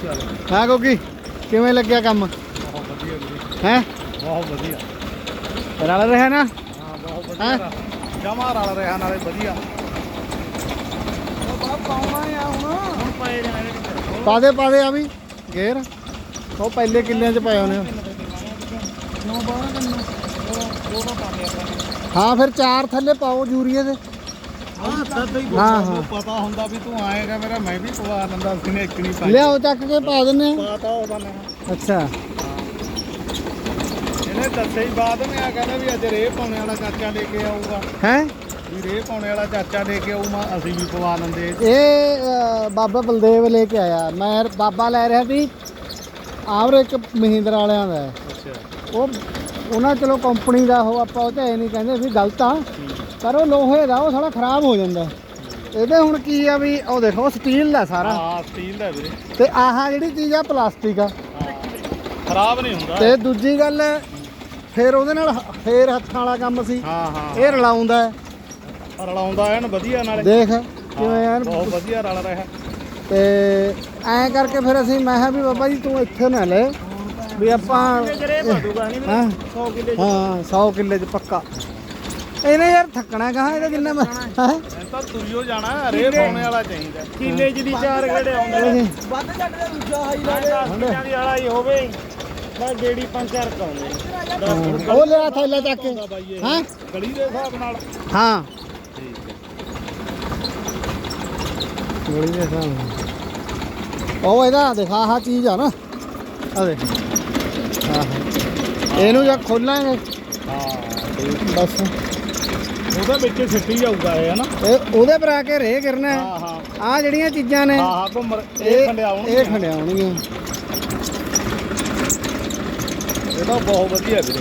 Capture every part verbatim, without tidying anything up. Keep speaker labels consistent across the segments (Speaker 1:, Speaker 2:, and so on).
Speaker 1: ਹਾਂ ਕਿਉਂਕਿ ਕਿਵੇਂ ਲੱਗਿਆ ਕੰਮ?
Speaker 2: ਬਹੁਤ ਵਧੀਆ ਵੀਰੇ,
Speaker 1: ਹੈ
Speaker 2: ਬਹੁਤ ਵਧੀਆ।
Speaker 1: ਰਲ ਰਿਹਾ ਨਾ?
Speaker 2: ਹਾਂ ਬਹੁਤ ਵਧੀਆ, ਜਮਾ ਰਲ ਰਿਹਾ ਨਾਲੇ ਵਧੀਆ। ਉਹ ਬਾਪ ਪਾਉਣਾ ਆ ਹੁਣ ਹੁਣ ਪਏ ਜਾਣੇ।
Speaker 1: ਪਾ ਦੇ ਪਾ ਦੇ ਆ ਵੀ ਗੇਰ ਉਹ ਪਹਿਲੇ ਕਿੱਲਿਆਂ 'ਚ ਪਏ ਹੋਣੇ।
Speaker 2: ਨੌ ਬਾਰਾਂ ਕਿੰਨਾ ਉਹ ਤਾਂ ਪਾ ਲਿਆ ਆਪਾਂ।
Speaker 1: ਹਾਂ ਫਿਰ ਚਾਰ ਥੱਲੇ ਪਾਓ ਯੂਰੀਏ ਦੇ।
Speaker 2: ਹਾਂ ਤਦ ਹੀ
Speaker 1: ਹਾਂ, ਹਾਂ।
Speaker 2: ਪਤਾ ਹੁੰਦਾ ਵੀ ਤੂੰ ਆਏਗਾ ਮੇਰਾ, ਮੈਂ ਵੀ ਪਵਾ ਲੈਂਦਾ ਸੀ ਨੇ ਇੱਕ ਨਹੀਂ ਪਾਈ।
Speaker 1: ਲਿਆਓ ਚੱਕ ਕੇ ਪਾ ਦਿੰਨੇ ਆ।
Speaker 2: ਪਤਾ ਉਹਦਾ ਨਾ
Speaker 1: ਅੱਛਾ
Speaker 2: ਇਹਨੇ ਦੱਸੇ ਹੀ ਬਾਅਦ ਮੈਂ ਆ ਕਹਿੰਦਾ ਵੀ ਅੱਜ ਰੇਹ ਪਾਉਣੇ ਵਾਲਾ ਚਾਚਾ ਲੈ ਕੇ ਆਊਗਾ।
Speaker 1: ਹੈ
Speaker 2: ਵੀ ਰੇਹ ਪਾਉਣੇ ਵਾਲਾ ਚਾਚਾ ਲੈ ਕੇ ਆਊ, ਮੈਂ ਅਸੀਂ ਵੀ ਪਵਾ ਲੈਂਦੇ।
Speaker 1: ਇਹ ਅ, ਬਾਬਾ ਬਲਦੇਵ ਲੈ ਕੇ ਆਇਆ। ਮੈਂ ਬਾਬਾ ਲੈ ਰਿਹਾ ਸੀ ਆਵਰ ਇੱਕ ਮਹਿੰਦਰਾ ਵਾਲਿਆਂ ਦਾ ਹੈ।
Speaker 2: ਅੱਛਾ
Speaker 1: ਉਹ ਉਹਨਾਂ ਚਲੋ ਕੰਪਨੀ ਦਾ ਉਹ ਆਪਾਂ ਉਹ ਤੇ ਨਹੀਂ ਕਹਿੰਦੇ ਵੀ ਗਲਤ ਆ, ਪਰ ਉਹ ਲੋਹੇ ਦਾ ਉਹ ਸਾਲਾ ਖਰਾਬ ਹੋ ਜਾਂਦਾ। ਇਹਦੇ ਹੁਣ ਕੀ ਆ ਵੀ ਉਹ ਦੇਖੋ ਸਟੀਲ ਦਾ ਸਾਰਾ।
Speaker 2: ਹਾਂ ਸਟੀਲ ਦਾ ਵੀਰੇ।
Speaker 1: ਤੇ ਆਹ ਜਿਹੜੀ ਚੀਜ਼ ਆ ਪਲਾਸਟਿਕ ਆ।
Speaker 2: ਖਰਾਬ ਨਹੀਂ ਹੁੰਦਾ।
Speaker 1: ਤੇ ਦੂਜੀ ਗੱਲ ਫਿਰ ਉਹਦੇ ਨਾਲ ਫੇਰ ਹੱਥਾਂ ਵਾਲਾ ਕੰਮ ਸੀ।
Speaker 2: ਹਾਂ ਹਾਂ
Speaker 1: ਇਹ ਰਲਾਉਂਦਾ ਹੈ।
Speaker 2: ਰਲਾਉਂਦਾ ਐਨ ਵਧੀਆ ਨਾਲੇ।
Speaker 1: ਦੇਖ ਕਿਵੇਂ ਐਨ
Speaker 2: ਬਹੁਤ ਵਧੀਆ ਰਲ ਰਿਹਾ।
Speaker 1: ਤੇ ਐਂ ਕਰਕੇ ਫਿਰ ਅਸੀਂ ਮੈਂ ਕਿਹਾ ਵੀ ਬਾਬਾ ਜੀ ਤੂੰ ਇੱਥੇ ਨਾ ਲੈ ਵੀ ਆਪਾਂ ਹਾਂ
Speaker 2: ਸੌ ਕਿੱਲੇ
Speaker 1: ਹਾਂ ਸੌ ਕਿੱਲੇ 'ਚ ਪੱਕਾ। ਇਹਨੇ ਯਾਰ ਥੱਕਣਾ ਕਹਾਂ ਇਹਦਾ ਜਿੰਨਾ ਮੈਂ ਹੈ
Speaker 2: ਤਾਂ ਤੁਰਿਓ ਜਾਣਾ। ਰੇਹ ਪਾਉਣੇ ਵਾਲਾ ਚਾਹੀਦਾ। ਕਿੱਲੇ 'ਚ ਦੀ ਚਾਰ ਗੇੜੇ ਆਉਂਦੇ ਵੱਧ ਘੱਟ ਦਾ ਦੂਜਾ ਹਾਈ ਲਾ ਦੇ। ਦਸ ਕਿੱਲਿਆਂ ਦੀ ਵਾਲਾ ਹੀ ਹੋਵੇ ਬਸ ਗੇੜੀ ਪੰਜ ਚਾਰ ਕਾਉਂਦੇ।
Speaker 1: ਉਹ ਲਿਆ ਥੈਲਾ ਚੱਕ ਕੇ ਹਾਂ
Speaker 2: ਗਲੀ ਦੇ ਹਿਸਾਬ ਨਾਲ।
Speaker 1: ਹਾਂ
Speaker 2: ਠੀਕ ਹੈ
Speaker 1: ਗੋਲੀ ਦੇ ਹਿਸਾਬ ਨਾਲ। ਉਹ ਇਹਦਾ ਦਿਖਾ ਆਹ ਚੀਜ਼ ਆ ਨਾ ਆ ਦੇਖ ਆਹ ਇਹਨੂੰ ਜਾਂ ਖੋਲਾਂਗੇ
Speaker 2: ਹਾਂ
Speaker 1: ਬਸ
Speaker 2: ਉਹਦੇ ਵਿੱਚ ਸਿੱਟੀ ਜਾਊਗਾ ਇਹ ਹਨਾ।
Speaker 1: ਇਹ ਉਹਦੇ ਪਰ ਆ ਕੇ ਰੇ ਗਿਰਨਾ।
Speaker 2: ਹਾਂ ਹਾਂ
Speaker 1: ਆ ਜਿਹੜੀਆਂ ਚੀਜ਼ਾਂ ਨੇ
Speaker 2: ਹਾਂ ਹਾਂ ਘੁੰਮਰ ਇਹ
Speaker 1: ਇਹ
Speaker 2: ਖੰਡਿਆਉਣਗੇ।
Speaker 1: ਇਹ ਖੰਡਿਆਉਣਗੀਆਂ।
Speaker 2: ਇਹ ਤਾਂ ਬਹੁਤ ਵਧੀਆ ਵੀਰੇ।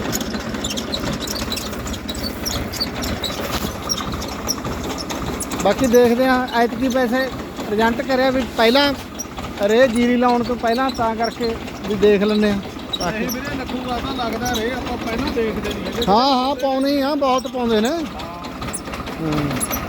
Speaker 1: ਬਾਕੀ ਦੇਖਦੇ ਆ ਐਤਕੀ ਪੈਸੇ ਪ੍ਰਜੈਂਟ ਕਰਿਆ ਵੀ ਪਹਿਲਾਂ ਰੇ ਜੀਰੀ ਲਾਉਣ ਤੋਂ ਪਹਿਲਾਂ ਤਾਂ ਕਰਕੇ ਵੀ ਦੇਖ ਲੈਂਦੇ ਆ।
Speaker 2: ਇਹ ਵੀਰੇ ਲੱਖੂਗਾ ਤਾਂ ਲੱਗਦਾ ਰੇ ਆਪਾਂ ਪਹਿਲਾਂ ਦੇਖਦੇ ਨਹੀਂ ਹੈਗੇ।
Speaker 1: ਹਾਂ ਹਾਂ ਪਾਉਣੀ ਆ ਬਹੁਤ ਪਾਉਂਦੇ ਨੇ।
Speaker 2: ਹਾਂ
Speaker 1: ਹਾਂ